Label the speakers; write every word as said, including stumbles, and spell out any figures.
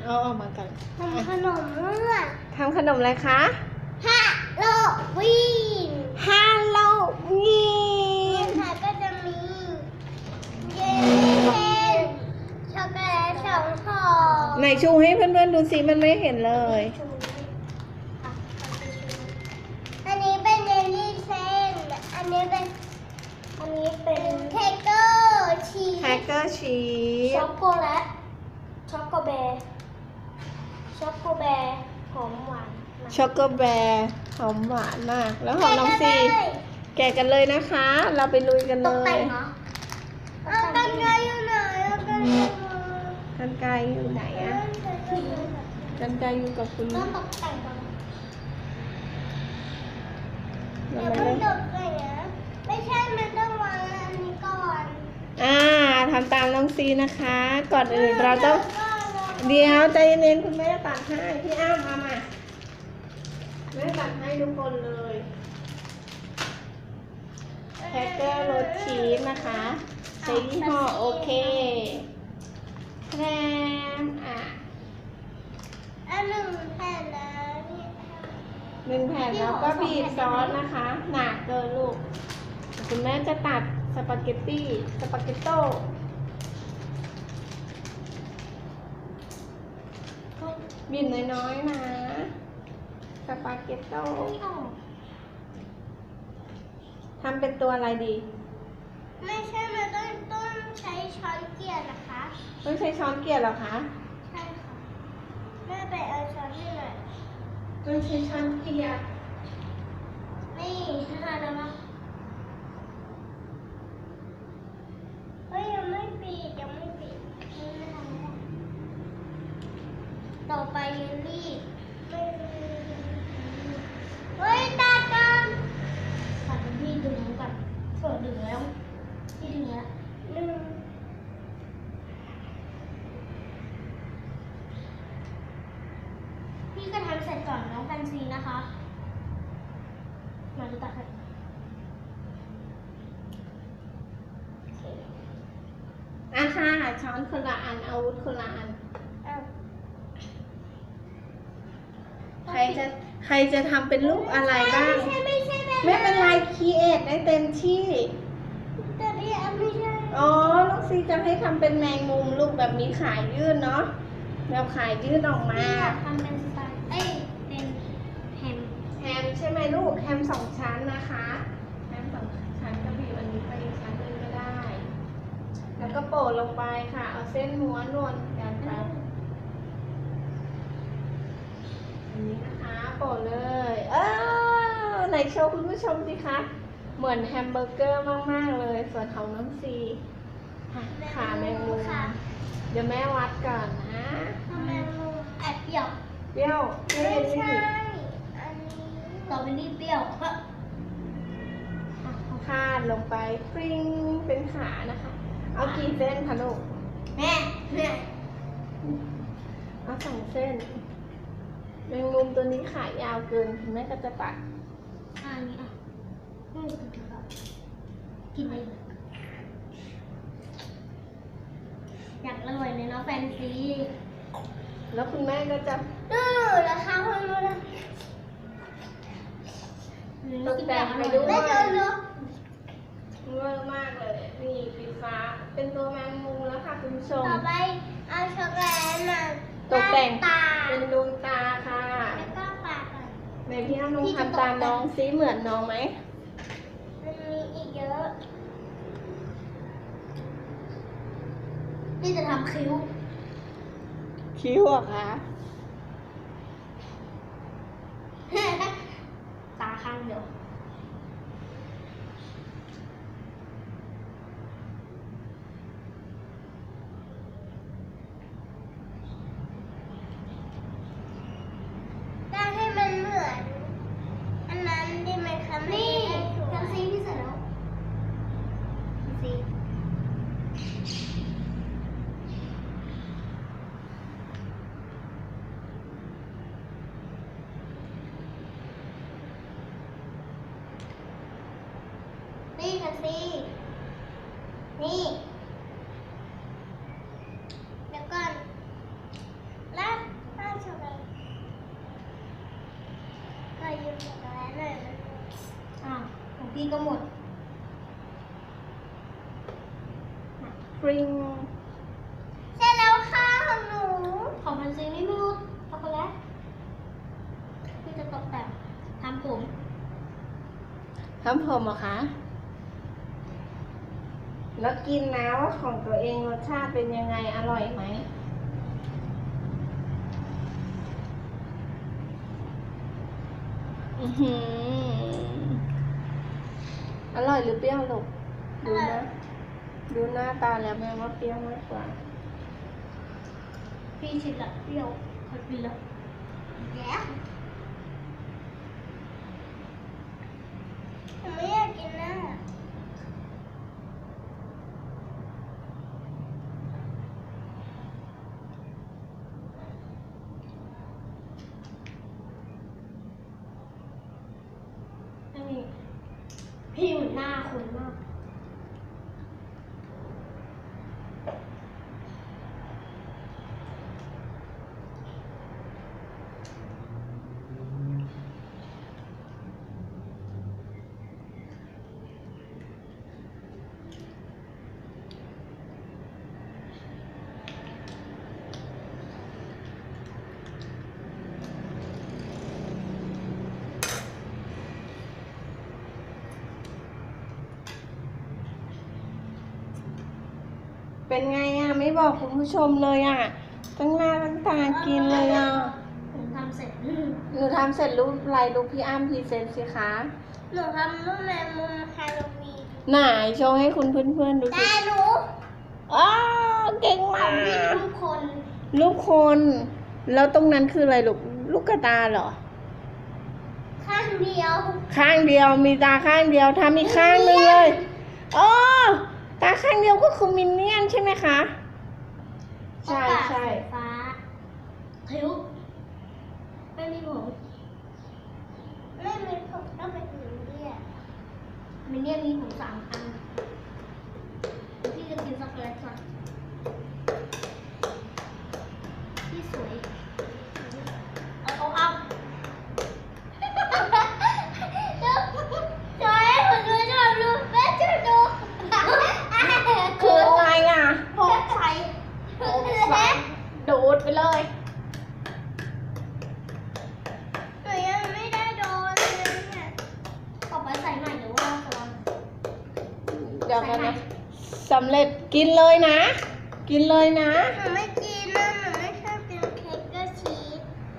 Speaker 1: เอาออกมากัน
Speaker 2: ทำขนมเมื่อ
Speaker 1: ทำขนมอะไรคะ
Speaker 2: ฮาโลวีน
Speaker 1: ฮาโลวีน
Speaker 2: ค่ะก็จะมีเยลลี่เค้กช็อกโกแลตสองห่อ
Speaker 1: ไหนชูให้เพื่อนๆดูสิมันไม่เห็นเลย
Speaker 2: อันนี้เป็นเยลลี่เส้นอันนี้เป็นอันนี้เป็นเค้กเกอร์ชีส
Speaker 1: แฮกเกอร์ชีส
Speaker 2: ช็อกโกแลตช็อกโกแบร์ช็อกโกแบร์หอมหวาน
Speaker 1: ช็อกโกแบร์หอมหวานมากแล้วของน้องซีแกะกันเลยนะคะเราไปลุยกัน
Speaker 2: ต
Speaker 1: เล
Speaker 2: กแต่
Speaker 1: ย
Speaker 2: งเหรอเอากันไกรอยู่ไหนเอากันไกร
Speaker 1: กันไกรอยู่ไหนอะกันไกรอยู่กับคุณ
Speaker 2: ต้องตกแต่งก่อน
Speaker 1: เดี๋
Speaker 2: เดี๋
Speaker 1: ย
Speaker 2: ยวว
Speaker 1: ไม่
Speaker 2: มัน
Speaker 1: ได้
Speaker 2: ตกแต่งนะไม่ใช่มันต้องวางอันนี้ก่อน
Speaker 1: อ่าทำตามน้องซีนะคะ ก่อนอื่นเราต้องเดี๋ยวใจเย็นๆคุณแม่ตัดให้พี่อ้ามเอามาแม่ตัดให้ทุกคนเลยแฮกเกอร์รสชีสนะคะใช้ยี่ห้อโอเคแพรมอ่ะ
Speaker 2: อันหนึ่งแผ่นแล้วนี่
Speaker 1: หนึ่งแผ่นแล้วก็บีบซอสนะคะ หนาเกินลูกคุณแม่จะตัดสปาเกตตี้สปาเกตโต้บีบน้อยๆนะสปาเกตโต้ทำเป็นตัวอะไรดี
Speaker 2: ไม่ใช่มันต้องต้องใช้ช้อนเกลี่ยนะคะ
Speaker 1: ต้องใช้ช้อนเกลี่ยเหรอคะ
Speaker 2: ใช่ค่ะแม่ไปเอาช้อนนี่หน่อย
Speaker 1: ต้องใช้ช้อนเกลี่ย
Speaker 2: นี่ทำอะไรมาเฮ้ยยังไม่ปิดยังไม่ปิดนี่ไม่ทำไม่ได้ต่อไปเยลลี่เฮ้ยตากันตัดพี่ดึงก่อนเปิดดึงแล้วพี่ดึงแล้วดึงพี่ก็ทำเสร็จก่อนน้องแฟนซีนะคะมาดูตัดให้
Speaker 1: อ่ะค่ะช้อนคนละอันอาวุธคนละอัน
Speaker 2: อ้าว
Speaker 1: ใครจะใครจะทำเป็นรูปอะไรบ้าง
Speaker 2: ไม่ใช่ไม่ใช่แบบ
Speaker 1: ไม่เป็นไรคีเอทได้เต็มที่
Speaker 2: แต่พี่อันไม่ใช่
Speaker 1: อ๋อลูกซีจะให้ทำเป็นแมงมุมลูกแบบมีขายยื่นเนาะแบบขายยื่นออกมา
Speaker 2: พี่อยากทำเป็นสไตล์เอ้ยเป็นแฮม
Speaker 1: แฮมใช่ไหมลูกแฮมสองชั้นนะคะแฮมสองชั้นก็บีบอันนี้ไปอีกชั้นหนึงก็ได้ แล้วก็โปะลงไปค่ะ เอาเส้นม้วนนวลกันไปอันนี้นะคะโปะเลยเออไหนโชว์คุณผู้ชมสิคะเหมือนแฮมเบอร์เกอร์มากๆเลยส่วนของน้องซีขาแมงมุม
Speaker 2: ค่ะ
Speaker 1: เดี๋ยวแม่วัดก่อนนะ
Speaker 2: ทำแมงมุมแอบเปรี้ยว
Speaker 1: เปรี้ยวเปรี้ยว
Speaker 2: ไม่
Speaker 1: เย็น
Speaker 2: ใช่
Speaker 1: นี่
Speaker 2: อันนี้ต่อไปนี่เปรี้ยวฮะ
Speaker 1: คาดลงไปปริ้งเป็นขานะคะ เอากี่เส้นคะลูก
Speaker 2: แม่แม่
Speaker 1: เอาสองเส้นแมงมุมตัวนี้ขายาวเกินคุณแม่ก็จะตัด
Speaker 2: อันนี้อ่ะอืมกินเลยอยากอร่อยเลยเนาะแฟนซี
Speaker 1: แล้วคุณแม่ก็จะ
Speaker 2: ดูราคาคนรู้นะ
Speaker 1: ตกแต่งไปด้วย
Speaker 2: ไม่เจอเนาะ
Speaker 1: เวอร์มากเลยนี่สีฟ้าเป็นตัวแมงมุมแล้วค่ะคุณผู้ชม
Speaker 2: ต่อไปเอาช็อกโกแลตมา
Speaker 1: ตกแต่ง
Speaker 2: ตา
Speaker 1: เป็นดวงตาค่ะ
Speaker 2: แล้วก็ปากก่อน
Speaker 1: ในพี่น้องทำตามน้องซิเหมือนน้องไหม
Speaker 2: มันมีอีกเยอะพี่จะทำคิ้ว
Speaker 1: คิ้วอะคะ
Speaker 2: ตาข้างเดียวได้ให้มันเหมือน อันนั้นได้ไหมคะนี่ทำซีที่เสร็จแล้วซี นี่ค่ะสินี่เดี๋ยวก่อนลากช็อกโกแลตหน่อยมัน
Speaker 3: อ้าวของพี่ก็หมด
Speaker 1: ปริง
Speaker 2: เสร็จแล้วค่ะของหนู
Speaker 3: ของพันซีไม่หมดช็อกโกแลตพี่จะตกแต่งทำผม
Speaker 1: ทำผมเหรอคะ แล้วกินนะว่าของตัวเองรสชาติเป็นยังไง อร่อยไหม อือหือ อร่อยหรือเปรี้ยวลูกดูนะ ดูหน้าตาแล้วแม่ว่าเปรี้ยวมากกว่า
Speaker 3: พี่ชิมละเปรี้ยวขอกินละ
Speaker 2: แย่หนูไม่อยากกินนะ
Speaker 3: ไม่มีพี่เหมือนหน้าคนมาก
Speaker 1: เป็นไงอ่ะ ไม่บอกคุณผู้ชมเลยอ่ะ ตั้งหน้าตั้งตากินเลยอ่ะ
Speaker 3: ผมทำเสร็จ
Speaker 1: หนูทำเสร็จรูปอะไรรูปพี่อ้ำพรีเซนต์สิคะ
Speaker 2: หนูทำรูปแมงมุมฮาโลวีน
Speaker 1: ไหนโชว์ให้คุณเพื่อนๆดูสิ
Speaker 2: แต่หนู
Speaker 1: อ้าวเก่งมาก
Speaker 3: ทุกคน
Speaker 1: ลูกคน แล้วตรงนั้นคืออะไรลูก ลูกกระตาเหรอ
Speaker 2: ข้างเดียว
Speaker 1: ข้างเดียวมีตาข้างเดียวทำอีกข้างหนึงเลยอ๋อตาข้างเดียวก็คือมินเนี่ยนใช่ไหมคะ ใช่ใช่
Speaker 3: สีฟ้าคิ้วไม่มีผม
Speaker 2: ไม่มีผมต้องเป็นหนูเรียก
Speaker 3: มินเนี่ยนมีผมสามอันพี่จะกินช็อกโกแลตก่อนพี่สวยเอาเอาเอา
Speaker 2: จอยให้ผมดูชอบดูแม่ช่วยดู
Speaker 1: คือไงอ่ะ
Speaker 3: ผมใส่
Speaker 1: ดูดไปเลย
Speaker 2: หนูยังไม่ได้โดนเลยเนี่ย
Speaker 3: ต่อไปใส่ใหม่หรือว่าสลับ
Speaker 1: เดี๋ยวกันนะสำเร็จกินเลยนะ กินเลยนะ
Speaker 2: หนู